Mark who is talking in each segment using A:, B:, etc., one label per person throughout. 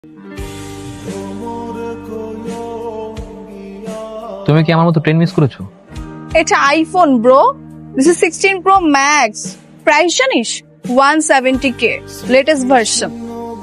A: তুমি কি আমার মতো ট্রেন মিস করেছো?
B: এটা iPhone bro, this is 16 Pro Max। Price জানিস 170K, latest version.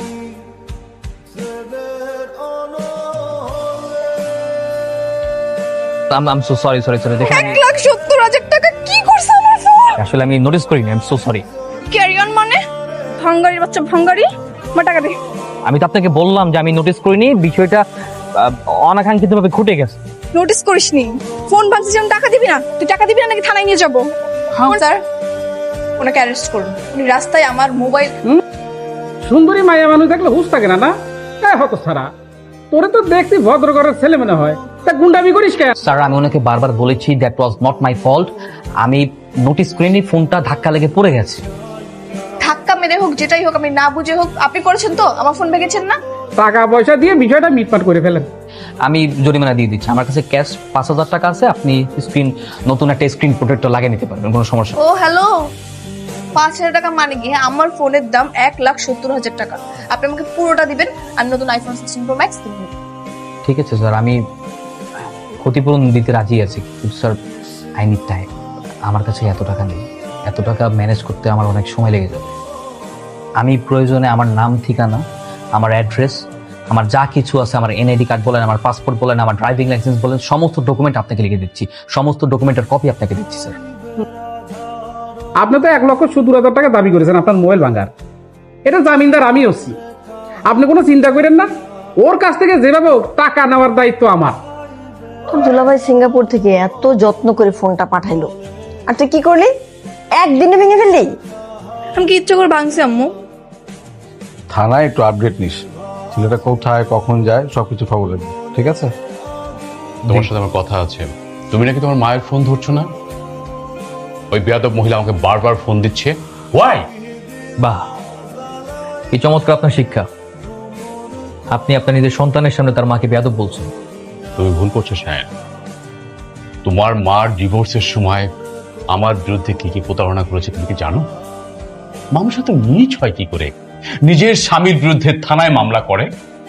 A: I'm so sorry দেখেন
B: 1,70,000 টাকা কি করছ আমার ফোন?
A: আসলে আমি নোটিস করিনি, I am so sorry.
B: Carry on মানে ভাঙ্গারি বাচ্চা ভাঙ্গারি, আমার টাকা দে।
A: আমি তো আপনাকে বললাম যে আমি নোটিস করিনি, বিষয়টা অনাকাঙ্ক্ষিতভাবে ঘটে গেছে।
B: নোটিস করিসনি? ফোন ভাঙছিস যেমন টাকা দিবি না? তুই টাকা দিবি না নাকি থানায় নিয়ে যাবো? হ্যাঁ স্যার, ওনাকে অ্যারেস্ট করুন। উনি রাস্তায় আমার মোবাইল।
C: সুন্দরী মায়া মানুষ দেখলে হুশ থাকে না? হতো সারা, তোরে তো দেখছি ভদ্র ঘরের ছেলে মনে হয়, তা গুন্ডামি করিস কেন?
A: স্যার, আমি ওনাকে বারবার বলেছি that was not my fault. আমি নোটিস করিনি, ফোনটা ধাক্কা লেগে পড়ে গেছে।
B: ধাক্কা মেরে হোক যেটাই হোক, আমি না বুঝে হোক, আপনি করেছেন তো? আমার ফোন ভেঙেছেন না?
C: টাকা পয়সা দিয়ে বিষয়টা মিটমাট করে ফেলেন।
A: আমি জরিমানা দিয়ে দিচ্ছি। আমার কাছে ক্যাশ 5,000 টাকা আছে, আপনি স্ক্রিন নতুন একটা স্ক্রিন প্রোটেক্টর লাগিয়ে নিতে পারবেন, কোনো সমস্যা নেই।
B: ও হ্যালো, 5,000 টাকা মানে কি? হ্যাঁ, আমার ফোনের দাম 1,70,000 টাকা। আপনি আমাকে পুরোটা দিবেন আর নতুন আইফোন 16 Pro Max কিনবেন।
A: ঠিক আছে স্যার, আমি ক্ষতিপূরণ দিতে রাজি আছি, কিন্তু স্যার আই নিড টাইম। আমার কাছে এত টাকা নেই, এত টাকা ম্যানেজ করতে আমার অনেক সময় লেগে যাবে। আমি প্রয়োজনে আমার নাম, ঠিকানা, আমার অ্যাড্রেস, আমার যা কিছু আছে, আমার এনআইডি কার্ড বলেন, আমার পাসপোর্ট বলেন, আমার ড্রাইভিং লাইসেন্স বলেন, সমস্ত ডকুমেন্ট আপনাকে লিখে দিচ্ছি, সমস্ত ডকুমেন্টের কপি আপনাকে দিচ্ছি স্যার।
C: আপনি তো 1,70,000 টাকা দাবি করেছেন আপনার মোবাইল ভাঙার। এটা জামিনদার আমি হচ্ছি, আপনি কোনো চিন্তা করেন না। ওর কাছ থেকে যেভাবে হোক টাকা নেওয়ার দায়িত্ব আমার।
D: তোর দুলাভাই সিঙ্গাপুর থেকে এত যত্ন করে ফোনটা পাঠাইলো, আর তুই কি করলি? একদিনে ভেঙে ফেললি?
B: আমি কি ইচ্ছে করে ভাঙছি আম্মু?
E: থানায় একটু আপডেট নিস, ছেলেটা কোথায় কখন যায় সবকিছু খবর রাখবি, ঠিক আছে?
F: তোমার সাথে আমার কথা আছে। তুমি নাকি তোমার মায়ের ফোন ধরছো না? ওই বেয়াদব মহিলা আমাকে বারবার ফোন দিচ্ছে। ওয়াই?
A: বাহ, এই চমৎকার আপনার শিক্ষা। আপনি আপনার নিজের সন্তানের সামনে তার মাকে বেয়াদব বলছেন।
F: তুমি ভুল করছো শায়ন। তোমার মার ডিভোর্সের সময় আমার বিরুদ্ধে কি কি প্রতারণা করেছে তুমি কি জানো? মানুষ তো নিজ হয় কি করে নিজের স্বামীর বিরুদ্ধে থানায় মামলা করে?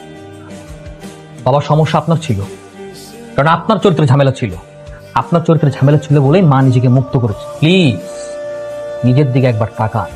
A: বাবার সমস্যা আপনার ছিল, কারণ আপনার চরিত্রে ঝামেলা ছিল। আপনার চরিত্রে ঝামেলা ছিল বলেই মা নিজেকে মুক্ত করেছে। প্লিজ নিজের দিকে একবার তাকান।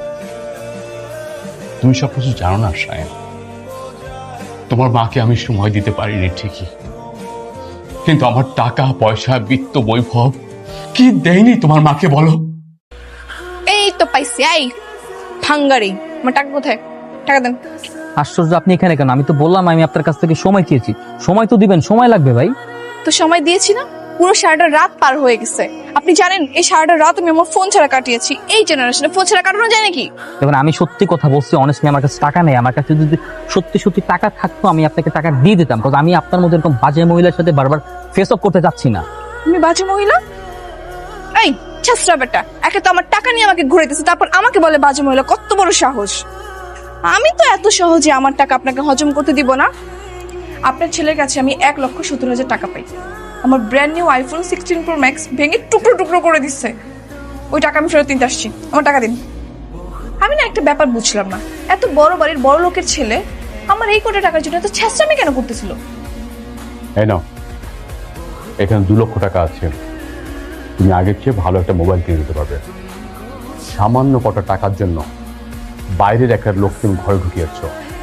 F: তুমি সব কিছু জানো না শায়ন। তোমার মাকে আমি সময় দিতে পারিনি ঠিকই, কিন্তু আমার টাকা পয়সা বিত্ত বৈভব কি দেয়নি তোমার মাকে বলো?
B: এই তো পাইছি। এই ভাঙ্গারি, আমার টাকা কোথায়? টাকা দেন।
A: আশ্চর্য, আপনি এখানে কেন? আমি তো বললাম আমি আপনার কাছ থেকে সময় চেয়েছি। সময় তো দিবেন, সময় লাগবে ভাই।
B: তো সময় দিয়েছি না? পুরো সারাটা রাত পার হয়ে গেছে। আপনি জানেন এই সারাটা রাত আমি আমার ফোন ছাড়া কাটিয়েছি। এই জেনারেশনে ফোন ছাড়া কাটানো যায় নাকি?
A: দেখুন, আমি সত্যি কথা বলছি, অনেস্টলি আমার কাছে টাকা নেই। আমার কাছে যদি সত্যি সত্যি টাকা থাকতো আমি আপনাকে টাকা দিয়ে দিতাম, কারণ আমি আপনার মধ্যে এরকম বাজে মহিলার সাথে বারবার ফেস অফ করতে যাচ্ছি না।
B: তুমি বাজে মহিলা? এই ছেসরা বেটা, একে তো আমার টাকা নিয়ে আমাকে ঘুরে দিচ্ছে, তারপর আমাকে বলে বাজে মহিলা। কত বড় সাহস! আমি তো এত সহজে আমার টাকা আপনাকে হজম করতে দিব না। আপনার ছেলের কাছে আমি 1,70,000 টাকা পাই। আমার brand new iPhone 16 Pro Max ভেঙে টুকরো টুকরো করে দিচ্ছে। ওই টাকা আমি ফেরত নিতে আসছি, আমার টাকা দিন। আমি না একটা ব্যাপার বুঝলাম না, এত বড় বাড়ির বড় লোকের ছেলে আমার এই কোটি টাকার জন্য এত ছেঁচড়ামি কেন করতেছিল?
F: এই নাও, এখানে 2 লক্ষ টাকা আছে। তুমি আগের চেয়ে ভালো একটা মোবাইল কিনে দিতে পারবে। সামান্য কটা টাকার জন্য বাইরের একটা লোক তুমি ঘরে ঢুকিয়েছ।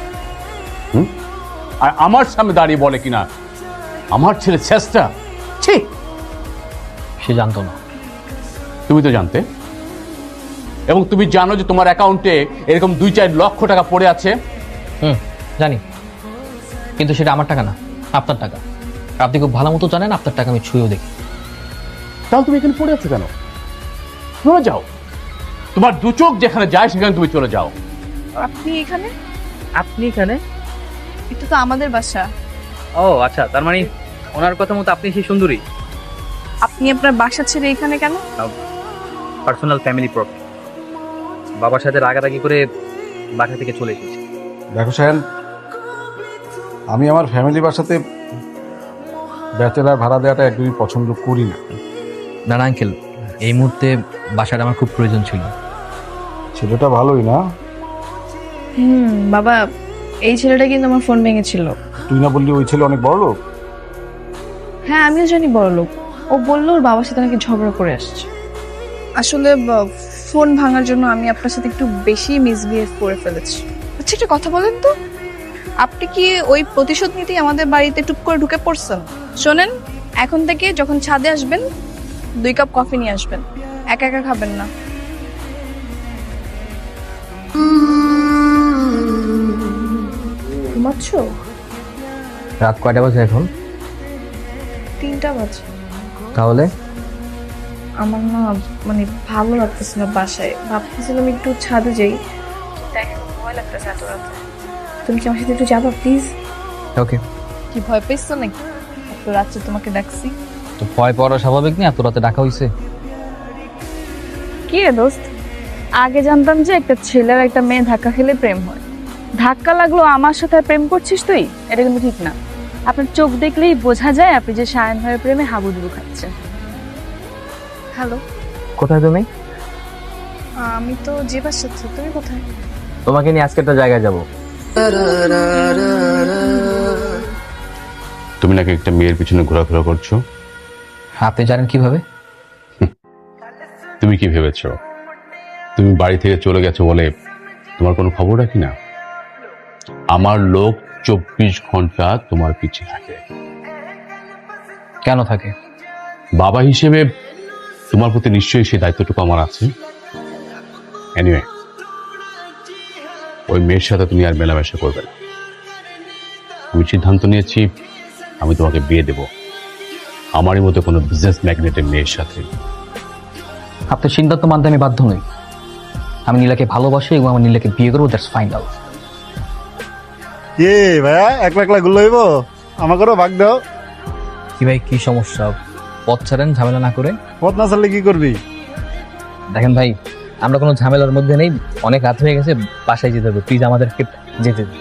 F: আর আমার সামনে দাঁড়িয়ে বলে কিনা আমার ছেলে চেষ্টা। ঠিক,
A: সে জানতো না।
F: তুমি তো জানতে, এবং তুমি জানো যে তোমার অ্যাকাউন্টে এরকম 2-4 লক্ষ টাকা পড়ে আছে।
A: জানি, কিন্তু সেটা আমার টাকা না, আপনার টাকা। আর আপনি খুব ভালো মতো জানেন আপনার টাকা আমি ছুঁয়েও দেখি।
F: তাহলে তুমি এখানে পড়ে আছো কেন? চলে যাও, তোমার 2 চোখ যেখানে যায় সেখানে তুমি চলে যাও।
B: আপনি এখানে?
A: আপনি এখানে?
B: এটা তো আমাদের বাসা।
A: ও আচ্ছা, তার মানে ওনার কথা মতো আপনি সেই সুন্দরী।
B: আপনি আপনার বাসা ছেড়ে এখানে কেন?
A: পার্সোনাল ফ্যামিলি প্রবলেম, বাবার সাথে রাগারাগি করে বাসা থেকে চলে এসেছি।
E: দেখো শায়ন, আমি আমার ফ্যামিলি বাসাতে ব্যাচেলার ভাড়া দেওয়াটা একদমই পছন্দ করি না।
A: না না আঙ্কেল, এই মুহূর্তে বাসাটা আমার খুব প্রয়োজন ছিল।
E: ছেলেটা ভালোই না?
B: বাবা, এই ছেলেটা কিন্তু আমার ফোন ভেঙেছিল।
E: তুই না বললি ওই ছেলে অনেক বড় লোক?
B: হ্যাঁ, আমিও জানি বড় লোক। ও বললো ওর বাবার সাথে নাকি ঝগড়া করে আসছে। আসলে ফোন ভাঙার জন্য আমি আপনার সাথে একটু বেশি মিসবিহেভ করে ফেলেছি। আচ্ছা, একটা কথা বলেন তো, আপনি কি ওই প্রতিশোধ নিতেই আমাদের বাড়িতে টুপ করে ঢুকে পড়ছেন? শোনেন, এখন থেকে যখন ছাদে আসবেন 2 কাপ কফি নিয়ে আসবেন, একা একা খাবেন না। ঘুমাচ্ছ?
A: রাত কয়টা বাজে এখন?
B: 3টা বাজে।
A: তাহলে
B: আমার না মানে ভালো লাগতেছে না বাসায়, ভাবতেছিলাম একটু ছাদে যাই। দেখো ভয় লাগতেছে এত রাতে। তুমি কি আমার সাথে একটু যাবা প্লিজ?
A: ওকে।
B: কি ভয় পেয়েছো নাকি? এত রাত্রে তোমাকে ডাকছি।
A: তো ভয় পাওয়া স্বাভাবিক না, এত রাতে ডাকা হইছে।
B: কি রে দোস্ত, আগে জানতাম যে একটা ছেলে আর একটা মেয়ে ধাক্কা খেলে প্রেম হয়। ধাক্কা লাগলো আমার সাথে আর প্রেম করছিস তুই? এটা কিন্তু ঠিক না। আপনার চোখ দেখলেই বোঝা যায় আপনি যে সায়ন ভাইয়ের প্রেমে হাবুডুবু খাচ্ছেন। হ্যালো,
A: কোথায় তুমি?
B: আমি তো যে বাসায় আছি। তুমি কোথায়?
A: তোমাকে নিয়ে আজকে একটা জায়গায় যাব।
F: তুমি নাকি একটা মেয়ের পিছনে ঘোরাফেরা করছো?
A: আপনি জানেন কিভাবে?
F: তুমি কি ভেবেছো তুমি বাড়ি থেকে চলে গেছো বলে তোমার কোনো খবর রাখি না? আমার লোক 24 ঘন্টা তোমার পিছে থাকে।
A: কেন থাকে?
F: বাবা হিসেবে তোমার প্রতি নিশ্চয়ই সেই দায়িত্বটুকু আমার আছে। এনিওয়ে, ওই মেয়ের সাথে তুমি আর মেলামেশা করবে না। আমি সিদ্ধান্ত নিয়েছি আমি তোমাকে বিয়ে দেব আমারই মতো কোনো বিজনেস ম্যাগনেটের মেয়ের সাথে।
A: আপনার সিদ্ধান্ত মানতে আমি বাধ্য নই। আমি নীলাকে ভালোবাসি এবং আমার নীলাকে বিয়ে করবো, দ্যাটস ফাইনাল।
G: কি ভাইয়া, একলা একলা গুলো হইব? আমাকেও ভাগ দাও।
A: কি ভাই, কি সমস্যা? পথ ছাড়েন, ঝামেলা না করে।
G: পথ না চাললে কি করবি?
A: দেখেন ভাই, আমরা কোনো ঝামেলার মধ্যে নেই, অনেক রাত হয়ে গেছে, বাসায় যেতে হবে। প্লিজ আমাদেরকে যেতে দিন।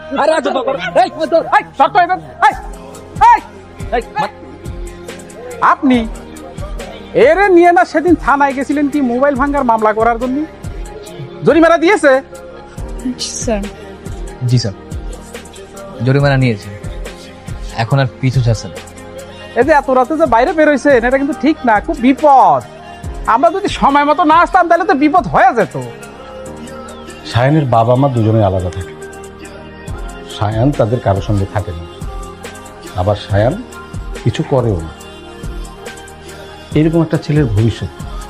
C: আপনি এরে নিয়ে না সেদিন থানায় গেছিলেন কি মোবাইল ভাঙার মামলা করার জন্য? জরিমানা দিয়েছে?
B: স্যার।
A: জি স্যার, জরিমানা নিয়েছে, এখন আর পিছু ছাড়ছে না।
C: এই যে এত রাতে যে বাইরে বেরোইছেন, এটা কিন্তু ঠিক না, খুব বিপদ। আমরা যদি সময় মতো না আসতাম তাহলে তো বিপদ হয়ে যেত।
E: সায়ানের বাবা মা দুজনে আলাদা থাকে। সায়ান তাদের কারোর সঙ্গে থাকে না, আবার সায়ান কিছু করেও না। এরকম একটা ছেলের ভবিষ্যৎ।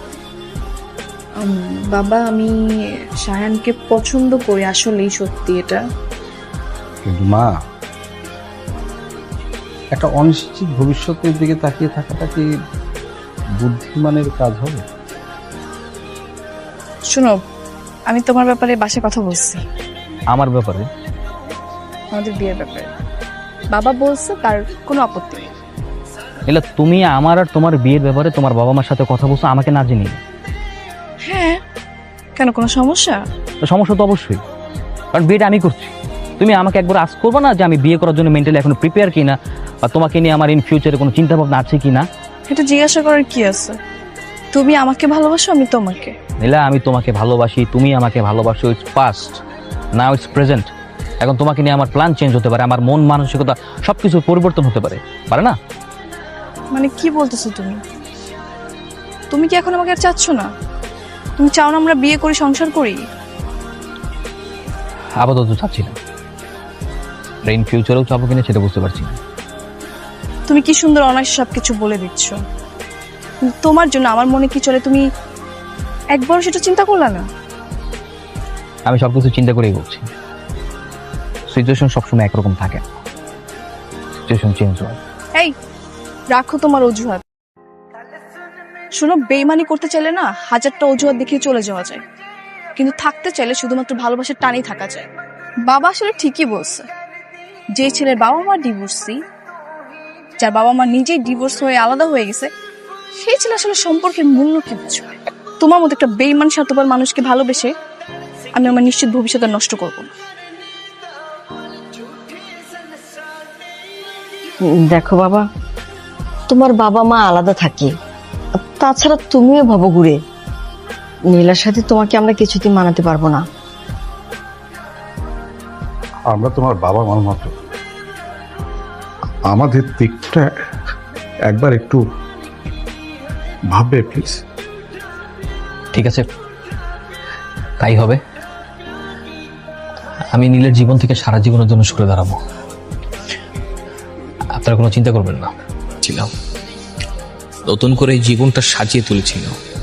B: বাবা, আমি সায়ানকে পছন্দ করি, আসলেই সত্যি এটা।
E: কিন্তু মা, একটা অনিশ্চিত ভবিষ্যতের দিকে তাকিয়ে থাকাটা কি বুদ্ধিমানের কাজ হবে?
B: শোনো, আমি তোমার ব্যাপারে বাসায় কথা বলছি,
A: আমার ব্যাপারে?
B: আমাদের বিয়ের ব্যাপারে। বাবা বলছে তার কোনো আপত্তি নেই।
A: এলা, তুমি আমার আর তোমার বিয়ের ব্যাপারে তোমার বাবা মার সাথে কথা বলছো আমাকে না জেনে?
B: হ্যাঁ, কেন, কোনো সমস্যা?
A: তো সমস্যা তো অবশ্যই, কারণ বিয়েটা আমি করছি। তুমি আমাকে একবার আস্ক করবে না যে আমি বিয়ে করার জন্য মেন্টালি এখনো প্রিপেয়ার কিনা, বা তোমাকে নিয়ে আমার ইন ফিউচারে কোনো চিন্তা ভাবনা আছে কিনা?
B: এটা জিজ্ঞাসা করার কি আছে? তুমি আমাকে ভালোবাসো, আমি তোমাকে।
A: নীলা, আমি তোমাকে ভালোবাসি, তুমি আমাকে ভালোবাসো। It's past, now it's present. এখন তোমাকে নিয়ে আমার প্ল্যান চেঞ্জ হতে পারে, আমার মন মানসিকতা সবকিছু পরিবর্তন হতে পারে, পারে না?
B: মানে কি বলতেছো তুমি? তুমি কি এখন আমাকে আর চাচ্ছ না? তুমি চাও না আমরা বিয়ে করি, সংসার করি?
A: আপাতত চাচ্ছি না, ইন ফিউচারেও চাবো কিনা সেটা বুঝতে পারছি না।
B: তুমি কি সুন্দর অনায়াসে সবকিছু বলে দিচ্ছ, কিন্তু তোমার জন্য আমার মনে কি চলে তুমি একবার সেটা চিন্তা করলা না?
A: আমি সবকিছু চিন্তা করেই বলছি। সিচুয়েশন সবসময় একরকম থাকে, সিচুয়েশন চেঞ্জ হয়।
B: এই, রাখো তোমার অজুহাত। শোনো, বেইমানি করতে চাইলে না 1000টা অজুহাত দেখিয়ে চলে যাওয়া যায়, কিন্তু থাকতে চাইলে শুধুমাত্র ভালোবাসার টানেই থাকা যায়। বাবা আসলে ঠিকই বলছে, যে ছেলের বাবা মা ডিভোর্সি, যার বাবা মা নিজেই ডিভোর্স হয়ে আলাদা হয়ে গেছে, সেই ছেলে আসলে সম্পর্কের মূল্য কি বুঝবে। তোমার মতো একটা বেইমান স্বার্থপর মানুষকে ভালোবেসে আমি আমার নিশ্চিত ভবিষ্যৎ আর নষ্ট করবো না।
D: দেখো বাবা, তোমার বাবা মা আলাদা থাকে, তাছাড়া তুমিও ভাবো ঘুরে, নীলার সাথে তোমাকে আমরা কিছুতেই মানাতে পারবো না।
E: আমরা তোমার বাবা মার মতো, আমাদের দিকটা একবার একটু ভাববে প্লিজ।
A: ঠিক আছে, তাই হবে। আমি নীলের জীবন থেকে সারা জীবনের জন্য সরে দাঁড়াবো, আপনারা কোনো চিন্তা করবেন না।
H: ছিলাম নতুন করে এই জীবনটা সাজিয়ে তুলেছিল।